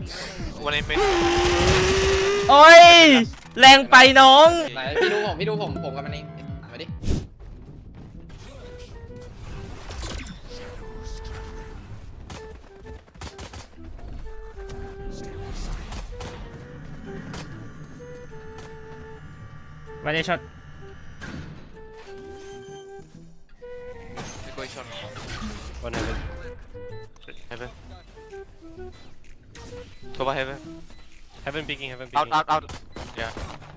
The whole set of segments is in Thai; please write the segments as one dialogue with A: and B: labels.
A: วันนี้เป็น
B: โอ้ยแรงไปน้อง
C: ไหนพี่ดูผมกับมันเองมาดิ
B: วันนี้ช็อต
A: ไม่คุยชน
D: One heaven.
A: heaven go by heaven
D: Heaven peeking, heaven
A: out
D: peeking.
A: out yeah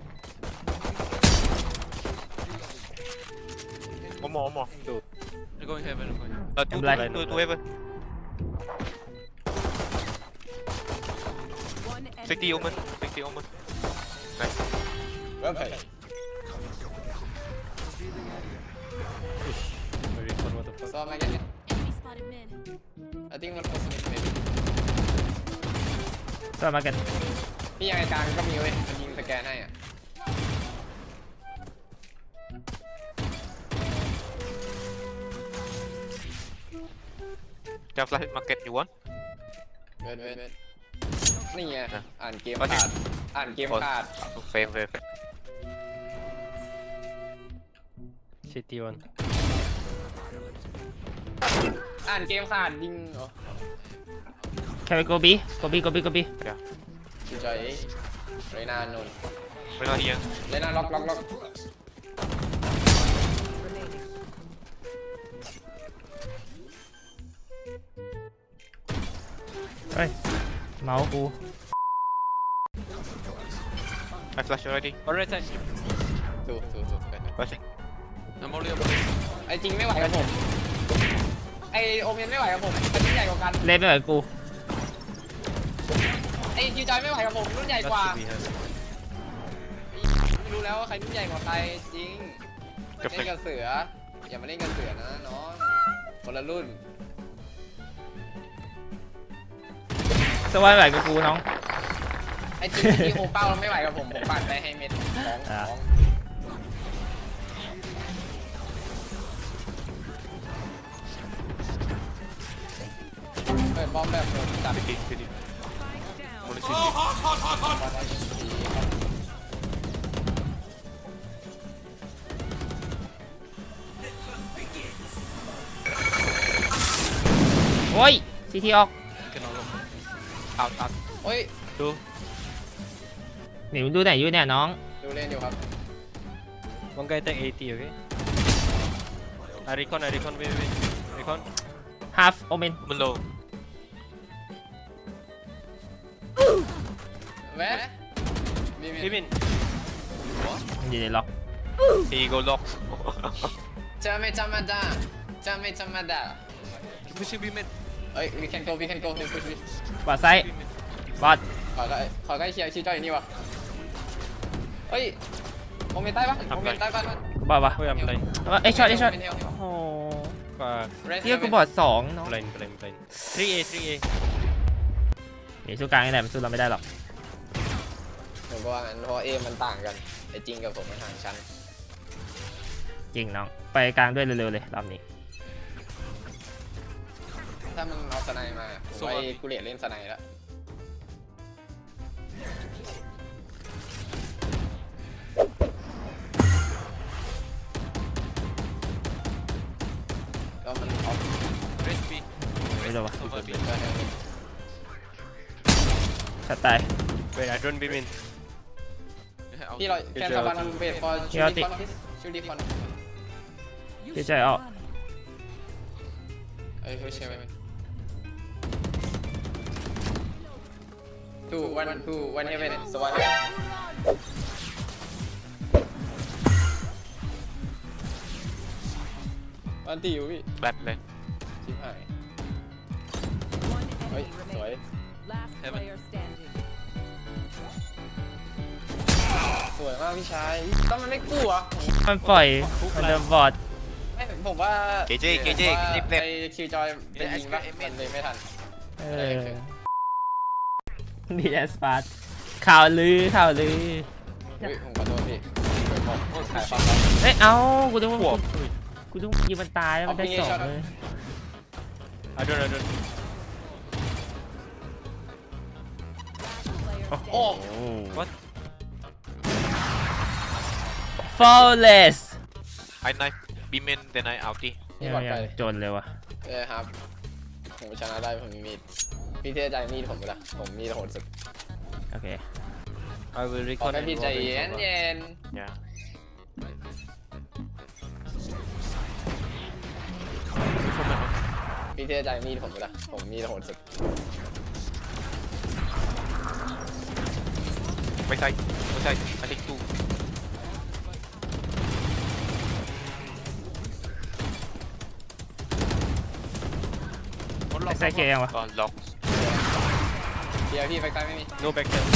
A: one more
D: Two.
A: you're going heaven two
D: blind.
A: two heaven 60 omen 60 omen nice
C: เริ่มไป
D: Very fun, what the fuck.
C: ซ้อมมาแค่นี้
E: Enemy spotted mid.
C: I think one was mid maybe
B: ตัวมาเก็ต
C: พี่ยังไงกลางก็มีเว้ยมันยิงสแกนให้อ่ะ
A: จะ flash market you want
C: เว้นนี่ไงอ่านเกม
A: โอเค
C: ขาดอ่านเกมขาด
A: fame
D: City one.
C: อ่านเกมขาดยิงเหรอ
B: แค่ไปโกบี
C: อยู่ใจเรนานนท์
A: we're not here
C: เรนาล็อก
B: เฮ้ยเมาส์กู
A: I flash already
D: Alright, side.
C: ถูก
A: flashing I'm only
C: ไอจริงไม่ไหวกับผมไอโอเมนไม่ไหวกับผมมันรุ่นใหญ่กว่ากัน
B: เล่นไม่เหมือนกู
C: ไอคิวจอยไม่ไหวกับผมรุ่นใหญ่กว่า
D: Last to be heaven.
C: ไม่รู้แล้วว่าใครรุ่นใหญ่กว่าใครจริงเล่นกับเสืออย่ามาเล่นกับเสือนะน้องคนละรุ่น
B: สวายไหวกับกูน้อง
C: ไอจริงที่โอเป้าไม่ไหวกับผมปั่นไปให้เม็ดของเปิดบอมแบบผมจับ
A: city only city
B: โอ้ยซีทีออก
A: out
C: โอ้ย
A: two
B: หนิวดูไหนอยู่เนี่ยน้อง
C: ดูเล่นอยู่ครับ
D: One guy take 80, okay? I recon, wait. Recon.
B: half omen
A: below
C: แวะ
D: Even.
B: มันอยู่ในล็อก
A: he go lock
C: จะไม่ธรรมดา
A: pushing B mid
C: เอ้ย we can go let's push
B: บอดไซด์บอด
C: ขอใกล้เชียร์ชี้จอยอยู่นี่วะเฮ้ยโอเมนใต้ปะโอเมนใต้ปะ
B: กูบอดวะ
D: Oh, yeah, I'm blind.
B: เอ้ยช็อตโอ้โห
D: Fuck.
B: เที่ยกูบอดสองน้อง
D: Blind. 3A.
B: เดี๋ยวสู้กลางนี่แหละมันสู้เราไม่ได้หรอก
C: ผมก็ว่างั้นเพราะเอมันต่างกันไอจริงกับผมมันห่างชั้น
B: จริงน้องไปกลางด้วยเร็วๆเลยรอบนี้
C: ถ้ามึงเอาสไนมาผมว่ากูเลียเล่นสไนแล้วก็มันออฟ
A: raise B
B: ไม่รู้วะ
A: over B
B: ชัดตาย
D: Wait, I don't beam in.
C: พี่เราแคนซับวันเวทฟอร์ชูดิฟอน
B: พี่ใจออก
C: เอ้ยผู้เชี่ยวtwo one heaven so one วันตีอยู่พี่
A: bad เลย
C: ชิบหาย
E: One
C: เฮ้ย
E: enemy
C: สวย
E: remaining. Last
A: Heaven.
E: player standing.
C: สวยมากพี่ชายก็มันไม่กลัว
B: มันปล่อยมันเดินบอด
C: ไม่ผมว่า
A: KJ
C: ไอ
A: เล็บ
C: คิวจอยเป็นยิงปะมันเลยไม่ทัน
B: เออดีแอสปาร์ตข่าวลือ
C: อุ้ยผมขอโทษพี่ผมถ่ายปั๊บ
B: เอ้ยเอากูต้องยิงมันตายแล้วมันได้สองเลย
D: I don't.
B: โอ้
D: What?
B: flawless
A: I knife B main then I ulti
C: นี่บอล
B: ยั
C: ไป
B: งจนเลยวะ
C: ครับผมชนะได้ผมมีมีดพี่เทใจมีดผมละผมมีดโหดสุด
B: โอเค
D: I will
C: ขอ
D: recon
C: แค่
D: and
C: พี่ใจ
D: roll
C: เย็
D: in
C: น
D: Sova.
C: เย็น
D: Yeah.
C: พี่เทใจมีดผมละผมมีดโหดสุด
A: ไม่ใช่ไม่ใช่ I think two
B: ไอ้ไซเคยังวะ
A: ล็อก
C: เดี๋ยวพี่ไฟใต้ไม่มี
D: No back there.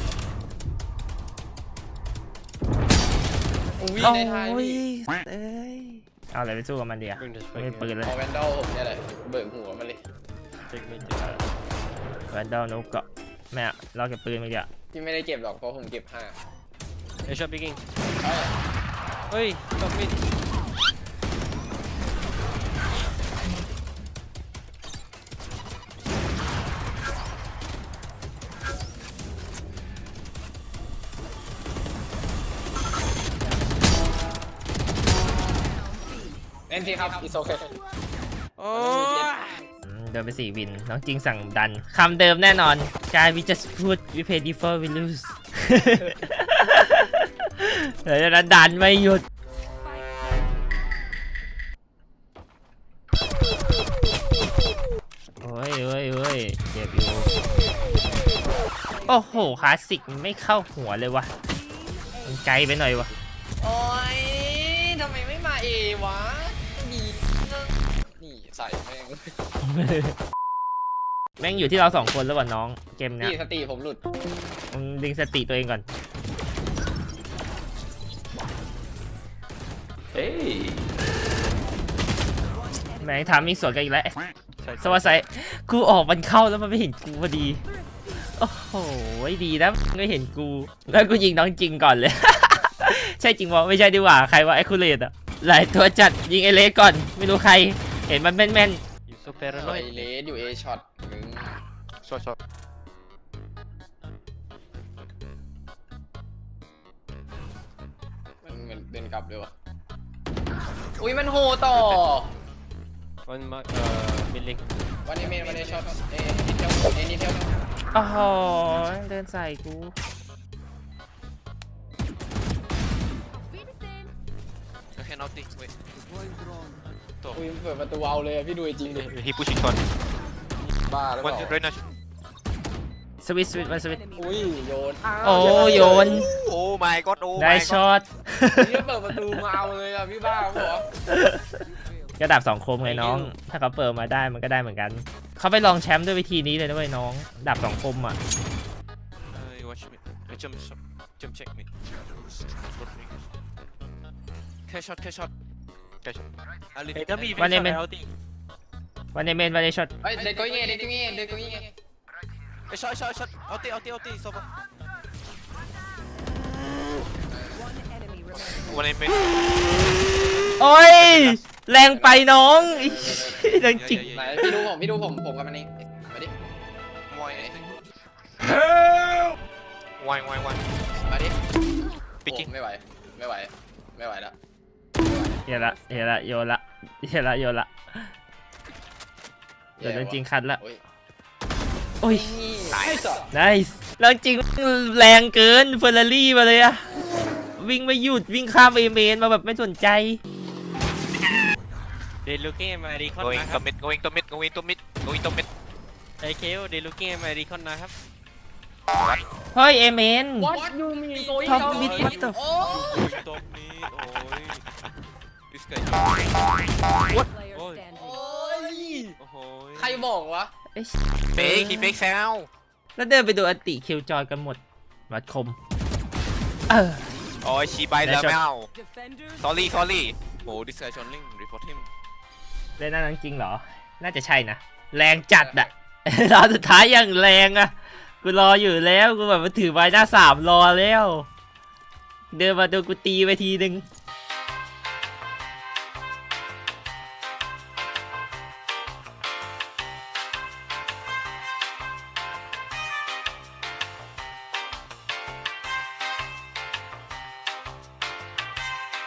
C: อุ้ย
B: โอ้
C: ในไทย
B: ย
C: พี่
B: เอ้ยเอาอะไรไปสู้กับมันดีอะ
D: Bring this
B: ไม่
D: back
B: มีปืน
D: here.
B: เลย
C: เอาแวนดอลผมเนี่ยแหละเบิกหัวมันเลย
D: Take me to
B: แวนดอลนุกเกาะแม่อะเราเก็บปืนไม่ดีอะ
C: พี่ไม่ได้เก็บหรอกเพราะผมเก็บ5
D: A shot picking.
C: ใช่
D: Oi, stop mid.
C: เอ็นทีครับอีโซเค
B: เดินไป4 วิน น้องจริงสั่งดัน คำเดิมแน่นอน การ we just put we play before we lose เดี๋ยวจะดันไม่หยุด โอ้ยเว้ยเว้ยเจ็บอยู่ โอ้โห คลาสสิกมันไม่เข้าหัวเลยวะมันไกลไปหน่อยวะ
C: โอ้ยทำไมไม่มาเอวะดีนี่ใส่แม่ง
B: แม่งอยู่ที่เรา2 คนแล้ววะน้องเกมเนี้ย
C: พี่สติผมหลุด
B: มึงดึงสติตัวเองก่อน
D: Hey.
B: แม่งทำมีสวนกันอีกแล้ว
D: Side,
B: สวัสดีกูออกมันเข้าแล้วมันไม่เห็นกูพอดี โอ้โหดีนะไม่เห็นกู แล้วกูยิงน้องจริงก่อนเลย ใช่จริงวะไม่ใช่ดีกว่าใครว่าไอ้คูเลตอะหลายตัวจัดยิงไอเล็กก่อน ไม่รู้ใคร เห็นมันแม่น
D: You so
C: ไอ
D: paranoid.
C: เลสอยู่เอช็อตมึง
A: short
C: มันเหมือนเดินกลับเลยวะอุ้ยมันโหต่อ
D: One mark, mid link.
C: วันนี้เมนวันนี้ช็อตเอนิเทลเอนิเทล
B: ๆโอ้โหเดินใส่กู
A: I can ulti wait
C: อุ้ยเปิดประตูเอาเลยอะพี่ดูจริงดิ
A: he pushing short
C: บ้าหรือเป
A: one
C: ล่า
A: right now
B: สวิตช์มันสวิตช์
C: อุ้ยโยน
B: โอ้โยน
A: oh my god oh
B: ได้
A: my
B: ช็อ
A: god
B: ต
C: พี่เปิดประตูมาเอาเลยอะพี่บ้าเหรอ
B: ก็ดาบ2 คมไงน้อง ถ้าเขาเปิดมาได้มันก็ได้เหมือนกัน เขาไปลองแชมป์ด้วยวิธีนี้เลยนะเว้ยน้อง ดาบ2 คมอ่ะ
A: you watch me jump check me cash shot cash shot I leave
D: Hey, tell me if
B: One
D: it's
B: minute.
D: not healthy.
B: วันในเมนวันในช็อต
C: เฮ้ยเด็กก็ยิงเด็กก็ยิงเด็กก็ยิง
A: hey shot shot shot ulti ulti ulti Sova one main
B: โอ้ย แรงไปน้อง เรื่องจริง
C: ไหนพี่ดูผมกับมันเองมาดิ
A: why why
C: มาดิ
A: picking
C: ไม่ไหวไม่ไหวไม่ไหวแล้ว
B: เดี๋ยวละโยนละเดี๋ยวละเดี๋ยวเรื่องจริงคัดละ
C: โอ้ย
B: โอ้ย
C: ตายสอ
B: nice เรื่องจริงแรงเกินเฟอร์รารี่มาเลยอะวิ่งไม่หยุดวิ่งข้ามเอเมนมาแบบไม่สนใจ
D: They looking at my recon
A: going
D: นะค
A: to
D: รับ
A: mid going to mid going to mid going to mid
D: IKO they looking at my recon นะครับ
B: เฮ้ยเอเมน
C: What you mean going
B: Top
C: down
B: mid, what the
C: Oh
A: going to mid โอ้ย this guy
E: Player
D: Oi.
E: standing.
C: โอ้ย
A: โอ้โห
C: ใครบอกวะ
A: fake he fake sound
B: แล้วเดินไปดูอันติคิวจอยกันหมดวัดคม
A: โอ้ยชีไปแล้ว
B: Nice shot.
A: ไม่เอา
E: Defenders.
A: sorry โอ้ this guy John Ling report him
B: เล่นนั่นจริงเหรอ น่าจะใช่นะ แรงจัดอะ ตอนสุดท้ายยังแรงอะกูรออยู่แล้ว กูแบบมาถือไม้หน้า 3รอแล้ว เดินมาโดนกูตีไปทีนึง